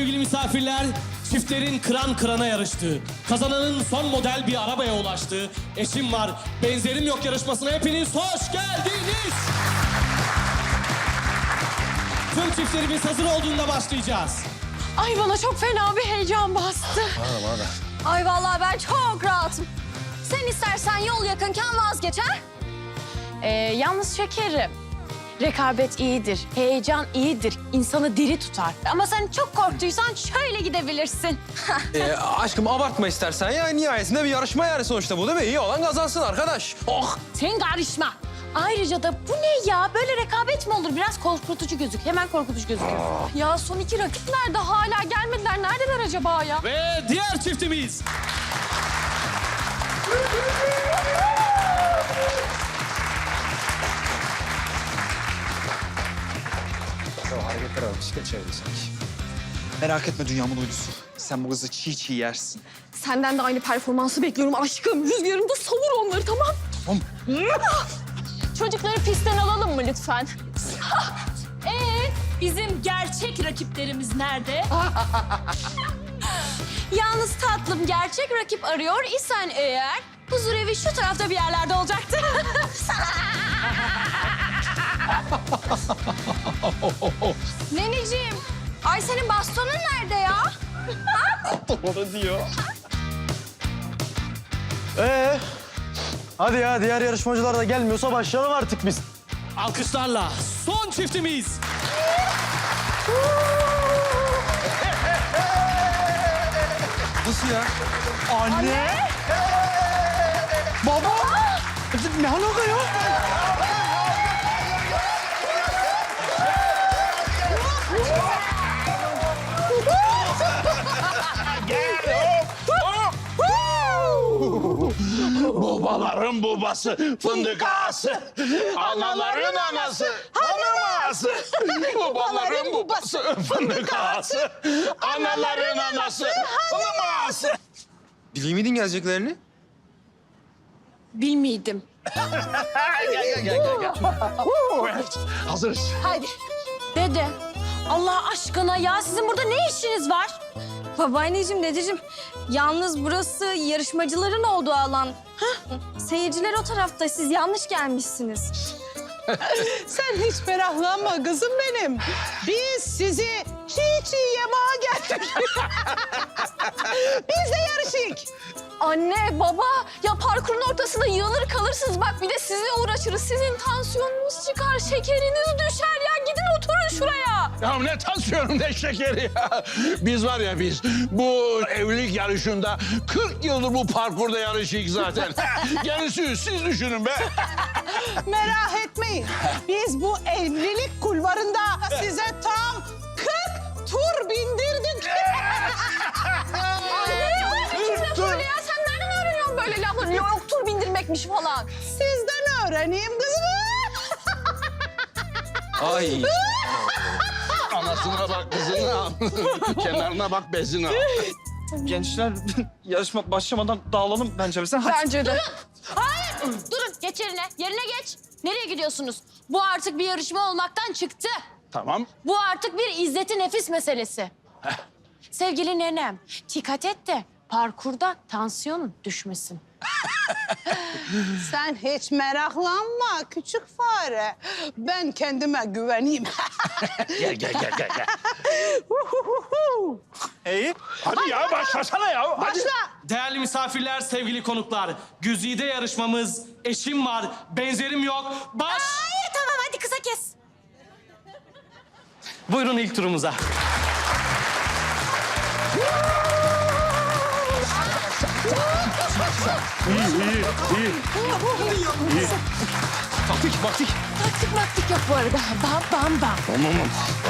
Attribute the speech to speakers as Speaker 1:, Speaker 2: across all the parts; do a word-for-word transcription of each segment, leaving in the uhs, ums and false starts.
Speaker 1: sevgili misafirler, çiftlerin kıran kırana yarıştığı, kazananın son model bir arabaya ulaştığı Eşim Var, Benzerim Yok yarışmasına hepiniz hoş geldiniz. Tüm çiftlerimiz hazır olduğunda başlayacağız.
Speaker 2: Ay bana çok fena bir heyecan bastı.
Speaker 3: Bana bana.
Speaker 4: Ay vallahi ben çok rahatım. Sen istersen yol yakınken vazgeç ha?
Speaker 2: Ee, yalnız şekerim, rekabet iyidir, heyecan iyidir, insanı diri tutar. Ama sen çok korktuysan şöyle gidebilirsin.
Speaker 3: Ee, aşkım abartma istersen ya. Nihayetinde bir yarışma yani sonuçta bu değil mi? İyi olan kazansın arkadaş. Oh!
Speaker 2: Sen karışma. Ayrıca da bu ne ya? Böyle rekabet mi olur? Biraz korkutucu gözük. Hemen korkutucu gözüküyor.
Speaker 4: Ya son iki rakip nerede? Hala gelmediler. Neredeler acaba ya?
Speaker 1: Ve diğer çiftimiz.
Speaker 5: Ya hareketler var, bisiklet çevirdi sanki. Merak etme dünyamın uydusu. Sen bu kızı çiğ çiğ yersin.
Speaker 4: Senden de aynı performansı bekliyorum aşkım. Rüzgarında savur onları tamam.
Speaker 5: Tamam.
Speaker 2: Çocukları pistten alalım mı lütfen?
Speaker 6: Ee, bizim gerçek rakiplerimiz nerede?
Speaker 2: Yalnız tatlım, gerçek rakip arıyor isen eğer... huzur evi şu tarafta bir yerlerde olacaktı.
Speaker 4: Neneciğim, ay senin bastonun nerede ya?
Speaker 7: Ee, hadi ya diğer yarışmacılar da gelmiyorsa başlayalım artık biz.
Speaker 1: Alkışlarla son çiftimiz.
Speaker 3: Nasıl ya?
Speaker 7: Anne! Baba! Ne alaka ya?
Speaker 8: Babaların babası fındık ağası, anaların anası hanım ağası. Babaların babası fındık ağası, anaların anası hanım ağası.
Speaker 3: Biliyor muydun geleceklerini?
Speaker 2: Bilmiydim.
Speaker 8: Gel gel gel gel. gel. Hazırız.
Speaker 2: Haydi. Dede, Allah aşkına ya sizin burada ne işiniz var?
Speaker 4: Babaanneciğim, dedeciğim. Yalnız burası yarışmacıların olduğu alan. Hah, seyirciler o tarafta. Siz yanlış gelmişsiniz.
Speaker 9: Sen hiç meraklanma kızım benim. Biz sizi çiğ çiğ yemeğe geldik. Biz de yarışık.
Speaker 4: Anne, baba. Ya parkurun ortasında yığılır kalırsınız. Bak bir de sizinle uğraşırız. Sizin tansiyonunuz çıkar, şekeriniz düşer ya. Gidin oturun şuraya.
Speaker 8: Ya ne tansiyonum ne şekeri ya. Biz var ya biz bu evlilik yarışında kırk yıldır bu parkurda yarışıyık zaten. Gerisi siz düşünün be.
Speaker 9: Merak etmeyin. Biz bu evlilik kulvarında size tam kırk tur bindirdik.
Speaker 4: Kim böyle ya? Sen nereden öğreniyorsun böyle lafları? Yok tur bindirmekmiş falan.
Speaker 9: Sizden öğreneyim kızım.
Speaker 3: Ay.
Speaker 8: Anasına bak kızına al. Kenarına bak bezine al.
Speaker 7: Gençler yarışma başlamadan dağılalım bence biz. Hadi.
Speaker 4: Bence de.
Speaker 2: Hayır, durun. Geç yerine. Yerine geç. Nereye gidiyorsunuz? Bu artık bir yarışma olmaktan çıktı.
Speaker 8: Tamam.
Speaker 2: Bu artık bir izzeti nefis meselesi. Sevgili nenem, dikkat et de parkurda tansiyonun düşmesin.
Speaker 9: Sen hiç meraklanma küçük fare. Ben kendime güveneyim.
Speaker 8: Gel gel gel gel. gel.
Speaker 7: İyi.
Speaker 8: Hadi ya başlasana ya. Hadi.
Speaker 9: Başla.
Speaker 1: Değerli misafirler, sevgili konuklar. Güzide yarışmamız Eşim Var, Benzerim Yok. Baş...
Speaker 2: Hayır, tamam hadi kısa kes.
Speaker 1: Buyurun ilk turumuza.
Speaker 3: Baktık baktık.
Speaker 2: Taktik maktik yok bu arada. Bam bam bam.
Speaker 8: Tamam.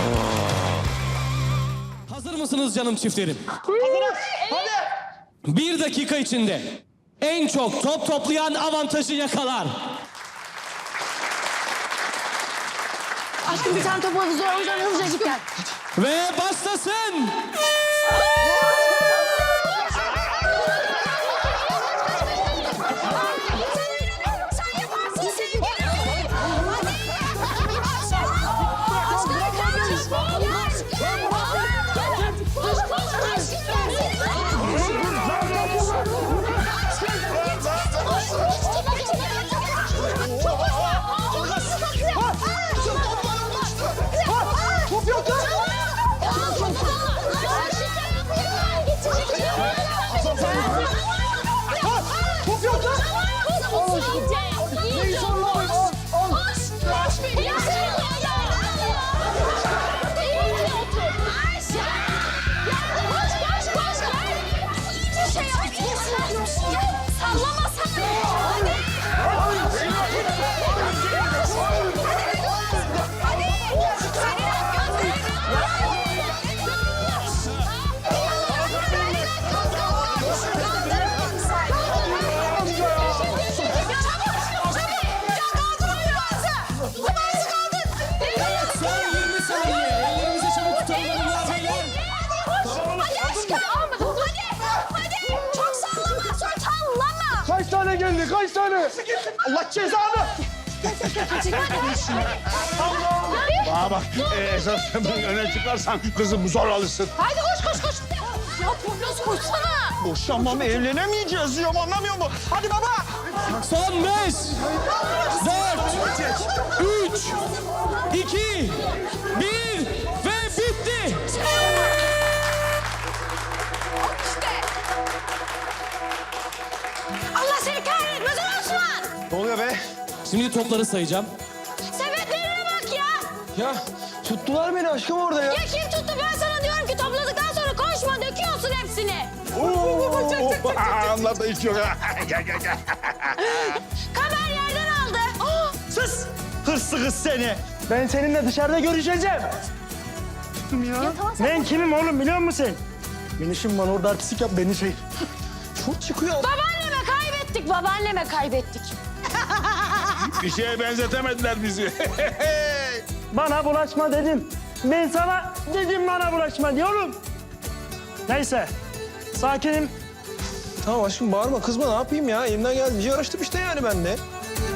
Speaker 1: Hazır mısınız canım çiftlerim? Hazırız. Hadi. Bir dakika içinde en çok top toplayan avantajı yakalar.
Speaker 2: Aşkım bir tane top havuzu var. O yüzden hızlıca gel.
Speaker 1: Ve başlasın.
Speaker 4: Sen yaparsın sevgilim. Hadi. Sallamasana. Hadi.
Speaker 1: Son yirmi saniye. Ellerimizi çabuk tutalım hanımlar beyler.
Speaker 4: Hadi çok sallama sonra sallama.
Speaker 7: Kaç tane geldi? Kaç tane? Allah cezanı!
Speaker 8: Bana bak e, esas sen öne çıkarsan kızım zor alırsın.
Speaker 4: Haydi koş koş koş. Ya Poyraz koşsana.
Speaker 5: Boşanmam, evlenemeyeceğiz diyorum, anlamıyor musun? Hadi baba!
Speaker 1: Son beş, dört, üç, iki, bir ve bitti.
Speaker 2: Allah seni kahretmesin Osman!
Speaker 3: Ne oluyor be?
Speaker 1: Şimdi topları sayacağım.
Speaker 2: Sebeplerine bak ya!
Speaker 3: Ya tuttular beni aşkım orada ya.
Speaker 2: Ya kim tuttu? Ben sana diyorum ki topladıktan sonra koşma, döküyorsun hepsini.
Speaker 8: Anladı hiç yok. Gel gel gel.
Speaker 2: Kamer yerden aldı.
Speaker 7: Sus! Hırslı kız seni. Ben seninle dışarıda görüşeceğim. Ya. Ben kimim oğlum biliyor musun sen? Ben işim var orada artistik yap beni şey.
Speaker 5: Çok çıkıyor.
Speaker 2: Babaanneme kaybettik, babaanneme kaybettik.
Speaker 8: Bir şeye benzetemediler bizi.
Speaker 7: Bana bulaşma dedim. Ben sana dedim bana bulaşma diyorum. Neyse. Sakinim.
Speaker 3: Tamam aşkım bağırma kızma ne yapayım ya. Elimden geldiğince yarıştım işte yani ben de.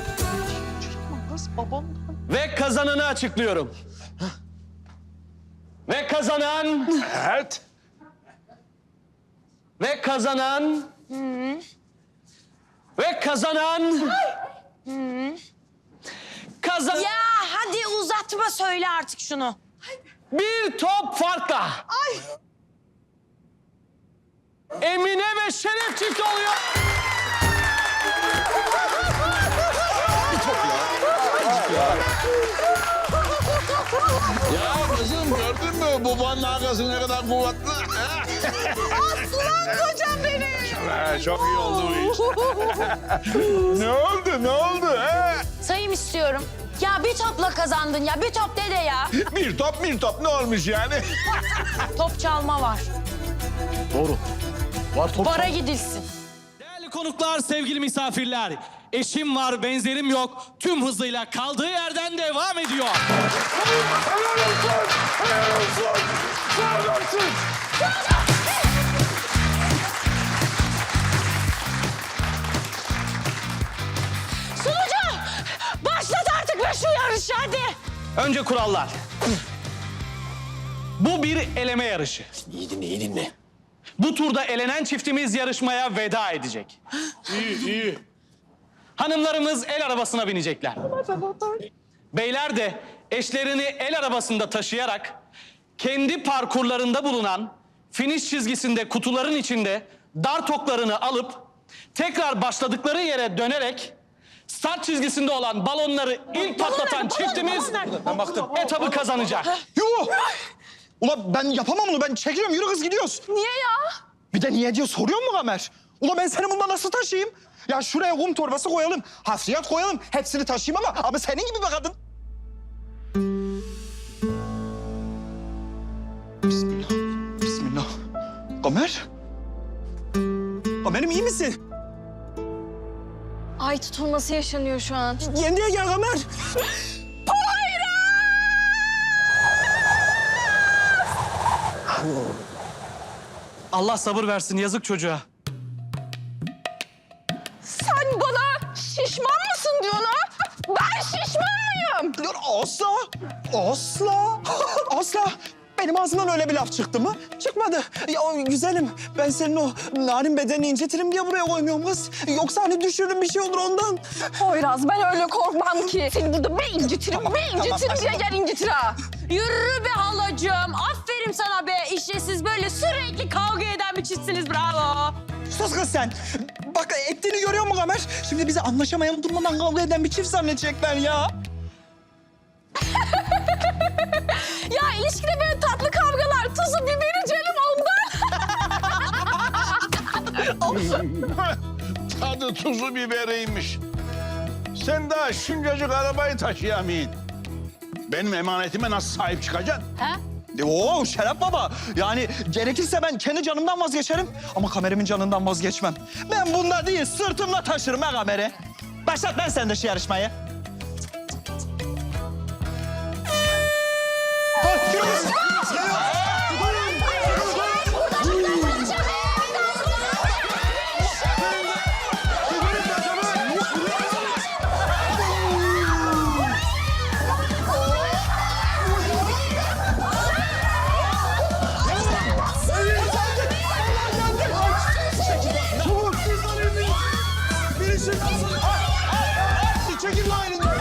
Speaker 1: Ve kazananı açıklıyorum. Ve kazanan...
Speaker 8: Evet.
Speaker 1: Ve kazanan... Ve kazanan... Kazan...
Speaker 2: Ya hadi uzatma, söyle artık şunu.
Speaker 1: Bir top farkla. Emine ve Şeref çifti oluyor.
Speaker 8: Ya kızım gördün mü babanın arkası ne kadar kuvvetli?
Speaker 9: Aslan kocam benim.
Speaker 8: Ha, çok iyi oldu bu iş. Ne oldu ne oldu he?
Speaker 2: Sayım istiyorum. Ya bir topla kazandın ya, bir top dede ya.
Speaker 8: Bir top bir top ne olmuş yani?
Speaker 2: Top çalma var.
Speaker 7: Doğru. Var top.
Speaker 2: Bara gidilsin.
Speaker 1: Değerli konuklar, sevgili misafirler. Eşim var, benzerim yok. Tüm hızıyla kaldığı yerden devam ediyor.
Speaker 8: Helal olsun! Helal olsun! Helal olsun!
Speaker 2: Sunucu! Başlat artık be şu yarışı hadi.
Speaker 1: Önce kurallar. Bu bir eleme yarışı.
Speaker 3: İyi dinle iyi dinle.
Speaker 1: Bu turda elenen çiftimiz yarışmaya veda edecek.
Speaker 8: İyi iyi.
Speaker 1: Hanımlarımız el arabasına binecekler. Beyler de eşlerini el arabasında taşıyarak kendi parkurlarında bulunan finish çizgisinde kutuların içinde dar toklarını alıp tekrar başladıkları yere dönerek start çizgisinde olan balonları ilk patlatan çiftimiz
Speaker 5: Ben baktım.
Speaker 1: etabı kazanacak.
Speaker 5: Yuh! Ula ben yapamam bunu. Ben çekiliyorum. Yürü kız gidiyoruz.
Speaker 4: Niye ya?
Speaker 5: Bir de niye diyor soruyor mu Kamer? Ula ben seni bundan nasıl taşıyayım? Ya şuraya kum torbası koyalım, hafriyat koyalım. Hepsini taşıyayım ama abi senin gibi bir kadın. Bismillah, bismillah. Kamer? Kamer'im iyi misin?
Speaker 4: Ay tutulması yaşanıyor şu an.
Speaker 5: Yendiye gel Kamer.
Speaker 1: Allah sabır versin yazık çocuğa.
Speaker 4: Sen bana şişman mısın diyorsun ha? Ben şişman mıyım?
Speaker 5: Dur asla, asla, asla. Benim ağzımdan öyle bir laf çıktı mı? Çıkmadı. Ya güzelim, ben senin o narin bedenini incetirim diye buraya koymuyorum kız. Yoksa hani düşürürüm bir şey olur ondan.
Speaker 4: Poyraz ben öyle korkmam ki. Seni burada bir incitirim, bir incitirim diye gel incitir ha.
Speaker 2: Yürü be halacığım. Aferin sana be. İşte siz böyle sürekli kavga eden bir çiftsiniz. Bravo.
Speaker 5: Sus kız sen. Bak ettiğini görüyor musun Kamer? Şimdi bizi anlaşamayan, durmadan kavga eden bir çift zannedecekler ya.
Speaker 4: Ya ilişkide böyle tatlı kavgalar, tuzu biberi canım ondan.
Speaker 8: tadı tuzu biberiymiş. Sen daha şuncacık arabayı taşıyamayın. Benim emanetime nasıl sahip çıkacaksın?
Speaker 5: Oo Şeref Baba. Yani gerekirse ben kendi canımdan vazgeçerim. Ama kamerimin canından vazgeçmem. Ben bunda değil sırtımla taşırım ha kameri. Başlat ben sen de şu yarışmayı. Çekil lan elinden.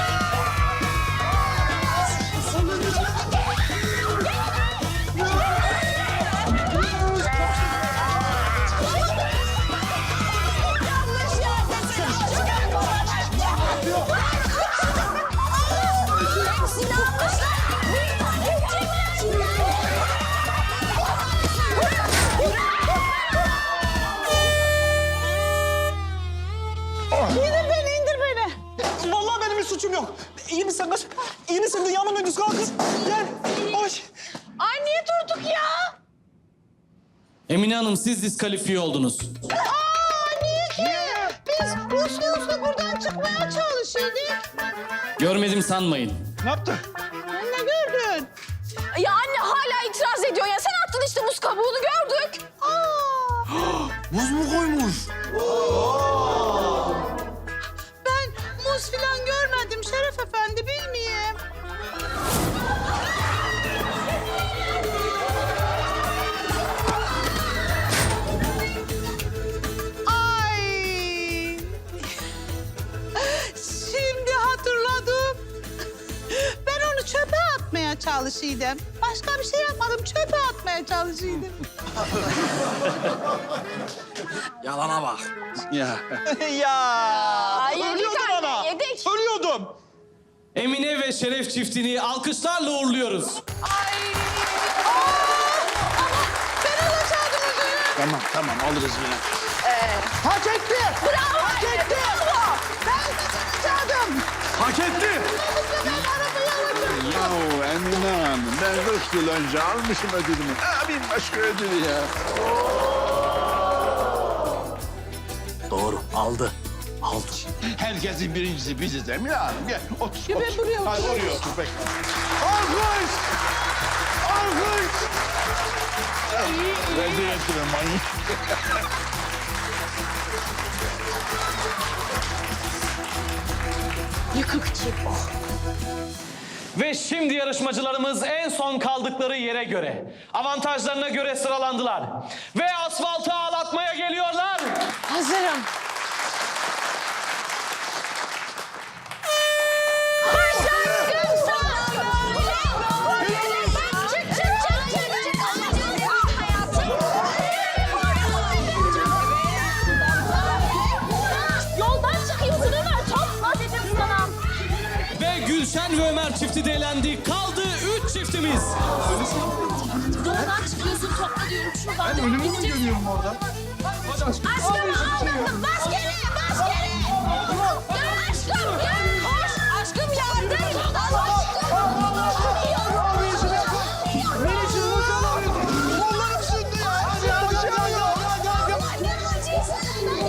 Speaker 9: İndir beni, indir beni.
Speaker 5: Vallahi benim bir suçum yok. İyi misin kız? İyi misin? Dünyanın öncüsü kalk kız. Gel. Hoş.
Speaker 9: Ay niye durduk ya?
Speaker 1: Emine Hanım siz diskalifiye oldunuz.
Speaker 9: Aa niye ki? Biz uslu uslu buradan çıkmaya çalışıyorduk.
Speaker 1: Görmedim sanmayın.
Speaker 5: Ne yaptı?
Speaker 9: Ne gördün?
Speaker 4: Ya anne hala itiraz ediyor ya. Sen attın işte muz kabuğunu gördük.
Speaker 5: Buz mu koymuş?
Speaker 9: Ben muz filan görmedim Şeref Efendi, bilmeyeyim. Ay! Şimdi hatırladım. Ben onu çöpe atmaya çalışıyordum. Başka bir şey yapmadım, çöpe atmaya çalışıyordum.
Speaker 5: Yalana bak.
Speaker 8: Ya.
Speaker 5: ya.
Speaker 4: yedik
Speaker 5: Ölüyordum
Speaker 4: anne,
Speaker 5: ana.
Speaker 4: yedik.
Speaker 5: Ölüyordum.
Speaker 1: Emine ve Şeref çiftini alkışlarla uğurluyoruz.
Speaker 8: Tamam tamam alırız yine.
Speaker 5: Hak etti.
Speaker 4: Bravo
Speaker 5: Hak
Speaker 4: anne,
Speaker 5: etti.
Speaker 4: bravo.
Speaker 9: Canım!
Speaker 5: Hak etti.
Speaker 8: Yahu Emine Hanım ben kırk yıl önce almışım ödülümü. Ha bir başka ödül ya.
Speaker 5: Doğru. Aldı. Aldı.
Speaker 8: Herkesin birincisi biziz Emine Hanım. Gel otur.
Speaker 9: Ya ben
Speaker 8: otur.
Speaker 9: buraya
Speaker 8: Hadi
Speaker 9: oturayım.
Speaker 8: oraya otur bekle.
Speaker 5: Alkış. Alkış.
Speaker 8: Rezil ettiler manyak.
Speaker 1: Ve şimdi yarışmacılarımız en son kaldıkları yere göre, avantajlarına göre sıralandılar. Ve asfaltı ağlatmaya geliyorlar.
Speaker 2: Hazırım.
Speaker 4: Yoldan çıkıyorsun Ömer. Topla dedim sana.
Speaker 1: Ve Gülşen ve Ömer çifti de elendi. Kaldı üç çiftimiz.
Speaker 6: Yoldan çıkıyorsun topla diyorum şuradan.
Speaker 5: Ben ölümü mü görüyorum orada?
Speaker 4: Aşkım aldım. Bas geri, bas geri. Gel aşkım, gel. Koş. Aşkım yardım.
Speaker 5: Kollarım sündü ya. Hadi hadi hadi hadi hadi.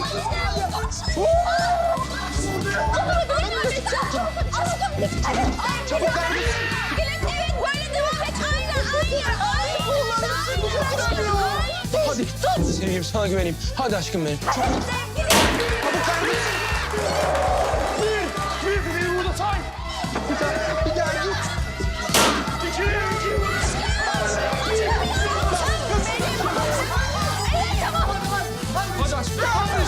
Speaker 4: Çabuk kardeşim. Evet, evet böyle devam et. Aynen, aynen.
Speaker 3: Hadi. Hadi seveyim, sana güveneyim. Hadi aşkım benim.
Speaker 5: Bir, bir burada say. Bir tane, bir daha git. İki, iki.
Speaker 3: Hadi aşkım.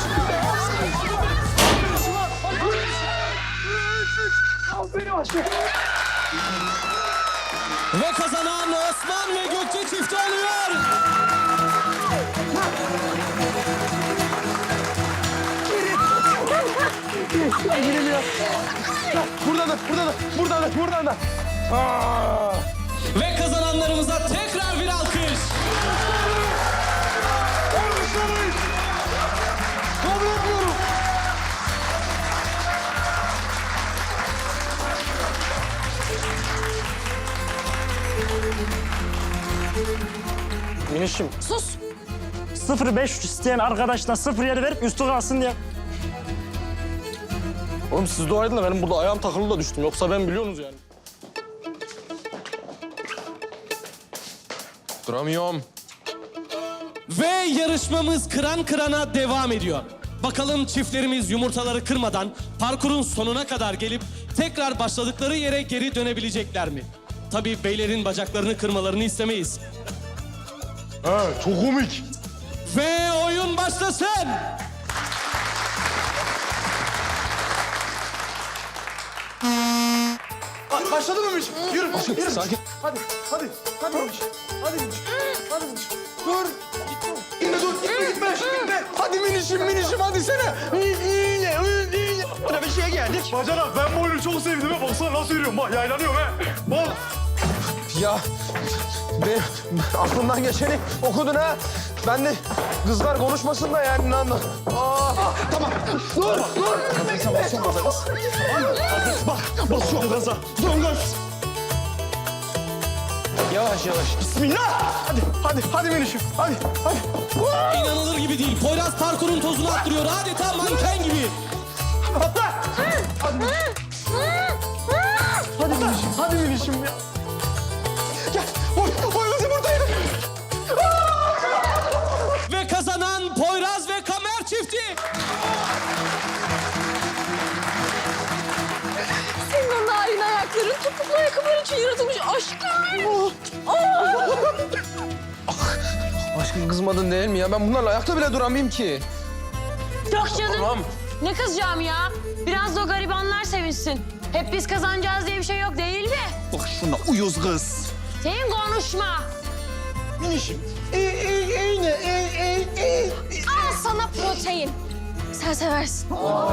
Speaker 1: Ve kazanan Osman ve Gökçe çifti oluyor.
Speaker 3: Burada da, burada da, burada da, burada da. Aa!
Speaker 1: Ve kazananlarımıza tekrar bir alkış.
Speaker 5: Kabul etmiyorum.
Speaker 7: minişim.
Speaker 2: Sus.
Speaker 7: sıfır beş üç isteyen arkadaşına sıfır yedi verip üstü kalsın diye. Oğlum siz dua edin de benim burada ayağım takılı da düştüm. Yoksa ben biliyorsunuz yani.
Speaker 3: Duramıyorum.
Speaker 1: Ve yarışmamız kıran kırana devam ediyor. Bakalım çiftlerimiz yumurtaları kırmadan parkurun sonuna kadar gelip tekrar başladıkları yere geri dönebilecekler mi? Tabii beylerin bacaklarını kırmalarını istemeyiz.
Speaker 7: Ha, çok komik.
Speaker 1: Ve oyun başlasın.
Speaker 7: Başladı mı minişim? Yürü, yürü. Sakin. Hadi, hadi, hadi minişim. Hadi minişim. Hadi minişim. Dur. Gitme, dur. Gitme, gitme. Gitme. Hadi minişim, minişim. Hadi sene. İyi, iyi. Burada bir şeye geldik. Bacanak, ben bu oyunu çok sevdim. ha. Baksana nasıl yürüyorum. Bak, yaylanıyorum ha. Bak.
Speaker 3: Ya ben aklımdan geçeni okudun ha. Ben de kızlar konuşmasın da yani lan. Aa,
Speaker 5: Tamam. Dur, dur. Sen basıyorsun gaza kız. Bak, basıyorum gaza. Dön gaz.
Speaker 3: yavaş yavaş.
Speaker 7: Bismillah. Hadi, hadi, hadi minişim. Hadi, hadi.
Speaker 1: İnanılır gibi değil. Poyraz parkurun tozunu attırıyor. Adeta manken gibi.
Speaker 7: Atla. Hadi minişim. Hadi minişim, hadi minişim ya.
Speaker 5: Gel. Oy, oy kız yumurtayı.
Speaker 1: Ve kazanan Poyraz ve Kamer çifti.
Speaker 4: Senin o narin ayakların topuklu ayakkabılar için yaratılmış aşkım.
Speaker 3: Aşkım kızmadın değil mi ya? Ben bunlarla ayakta bile duramayayım ki.
Speaker 2: Yok canım.
Speaker 3: Tamam.
Speaker 2: Ne kızacağım ya? Biraz da o garibanlar sevinsin. Hep biz kazanacağız diye bir şey yok değil mi?
Speaker 5: Bak şuna uyuz kız.
Speaker 2: Senin konuşma.
Speaker 5: Minişim. İyi, iyi, iyi, ne? İyi, iyi, iyi.
Speaker 2: Al sana protein. Sen seversin.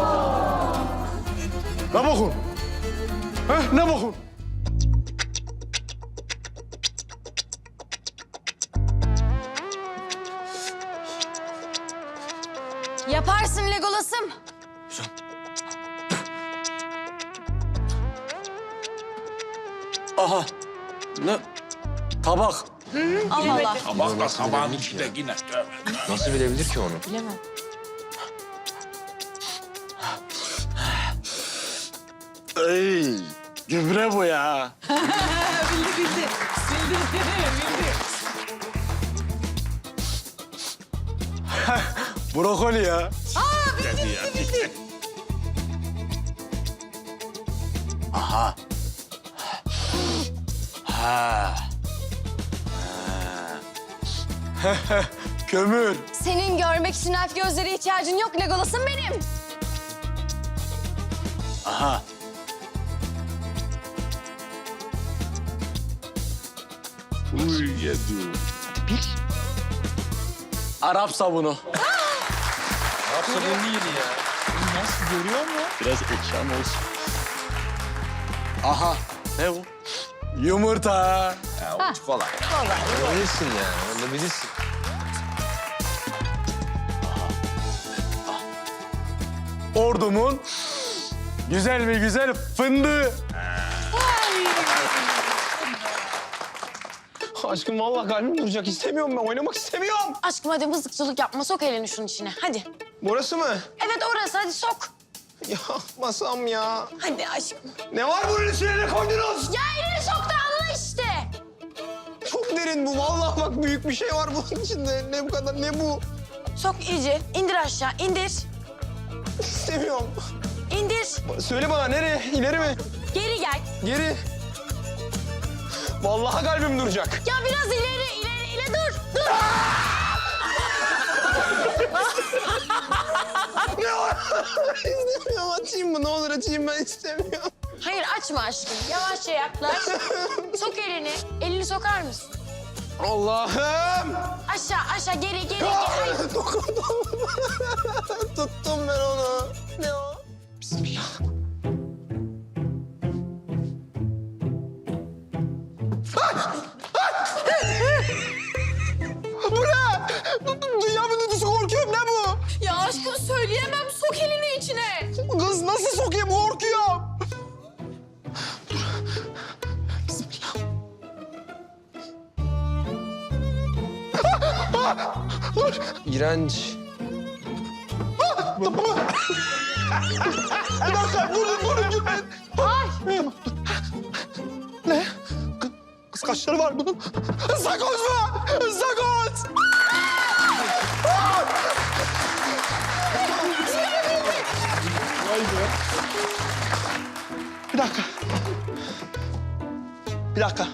Speaker 7: Ne bakın? Heh, ne bakın?
Speaker 2: Yaparsın Legolas'ım.
Speaker 7: Aha. Ne? Tabak.
Speaker 2: Allah Allah.
Speaker 8: Bak da tabağın içinde yine.
Speaker 3: Nasıl bilebilir ki onu?
Speaker 2: Bilemem.
Speaker 7: Ey, gübre bu ya.
Speaker 6: Bildi bildi. Bildi bildi.
Speaker 7: Brokoli ya. Aha. Ha. Ha. Kömür.
Speaker 2: Senin görmek için elf gözlere ihtiyacın yok Legolas'ım benim.
Speaker 7: Aha.
Speaker 8: Uy yedim.
Speaker 7: Arap sabunu.
Speaker 3: Yapsa ben değil ya.
Speaker 7: Biraz ekşam olsun. Aha. Ne bu? Yumurta.
Speaker 3: Ya o kolay. Kolay. Bilirsin yani. Onu da bilirsin.
Speaker 7: Ordumun güzel mi güzel fındığı.
Speaker 3: Aşkım vallahi kalbim duracak. İstemiyorum ben. Oynamak istemiyorum.
Speaker 2: Aşkım hadi mızıkçılık yapma. Sok elini şunun içine. Hadi.
Speaker 3: Burası mı?
Speaker 2: Evet orası. Hadi sok.
Speaker 3: Ya masam ya.
Speaker 2: Hadi aşkım.
Speaker 3: Ne var bunun içine? Ne koydunuz?
Speaker 2: Ya elini sok da anla işte.
Speaker 3: Çok derin bu. Vallahi bak büyük bir şey var bunun içinde. Ne bu kadar? Ne bu?
Speaker 2: Sok iyice. İndir aşağı. İndir.
Speaker 3: İstemiyorum.
Speaker 2: İndir.
Speaker 3: Söyle bana nereye? İleri mi?
Speaker 2: Geri gel.
Speaker 3: Geri. Vallahi kalbim duracak.
Speaker 2: Ya biraz ileri, ileri, ileri. Dur, dur.
Speaker 3: İstemiyorum. Açayım mı? Ne olur açayım ben istemiyorum.
Speaker 2: Hayır açma aşkım. Yavaşça yaklaş. Sok elini. Elini sokar mısın?
Speaker 3: Allah'ım.
Speaker 2: Aşağı, aşağı. Geri, geri, geri. Ay,
Speaker 3: Dokundum. Tuttum ben onu. Ne o? Bismillah. Bu ne? Dünyanın ötesi korkuyorum. Ne bu?
Speaker 4: Ya aşkım söyleyemem. Sok elini içine.
Speaker 3: Kız nasıl sokayım? Korkuyorum. Dur. Bismillah. İğrenç.
Speaker 5: Bir dakika durun durun gülmeyin. Ay. Tamam dur. Ne? Kı- Kız kaşları var bunun. Sakoz mu? Sakoz! Vay be. Bir dakika. Bir dakika.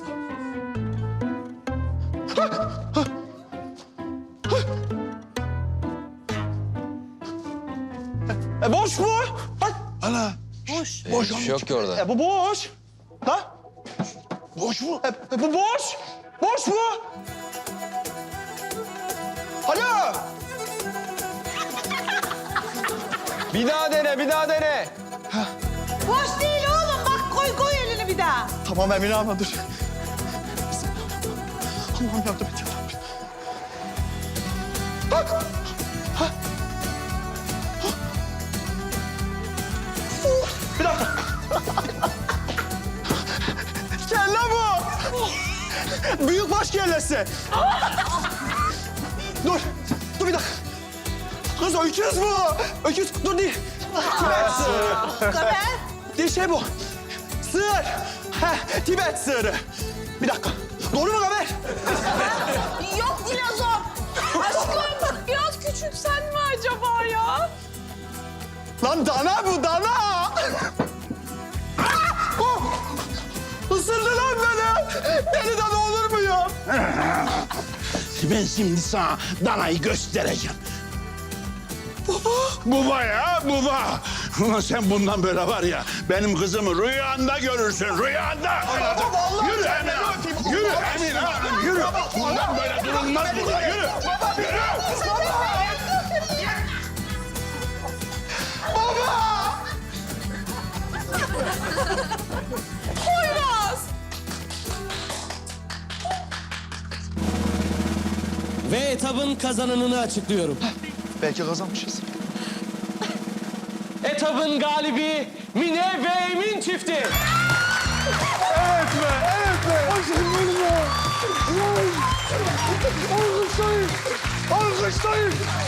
Speaker 5: E boş mu? Bak.
Speaker 8: Ana.
Speaker 9: Boş.
Speaker 3: Boş şey yok ki orada.
Speaker 5: E bu boş. Ha?
Speaker 8: Boş mu?
Speaker 5: E, e, bu boş. Boş mu? Alo.
Speaker 3: Bir daha dene, bir daha dene.
Speaker 9: Boş değil oğlum. Bak koy koy elini bir daha.
Speaker 5: Tamam Emine abla dur. Allah'ım yardım et ya Rabbi. Bak. Ha. Ha. Bir dakika. Kelle bu. Büyük baş kellesi. Dur. Dur bir dakika. Kız öküz bu. Öküz. Dur değil. Tibet sığırı.
Speaker 9: Kamer.
Speaker 5: Değil şey bu. Sığır. Heh, Tibet sığırı. Bir dakika. Doğru mu haber?
Speaker 4: Yok dinozor. Aşkım biraz küçültsen mi acaba ya?
Speaker 5: Lan dana bu dana. Oh! Isırdı lan beni. Beni dana olur mu ya?
Speaker 8: Ben şimdi sana danayı göstereceğim. Baba ya, baba. Ulan sen bundan böyle var ya, benim kızımı rüyanda görürsün, rüyanda. Yürü Emine Hanım, yürü Emine Hanım, yürü. Bundan böyle durulmaz burada, yürü. Yürü.
Speaker 1: Ve etabın kazananını açıklıyorum.
Speaker 5: Belki kazanmışız.
Speaker 1: Etabın galibi Mine ve Emin çifti.
Speaker 7: Evet be, evet be. Aşkım benim ya. Alkışlayın. Alkışlayın.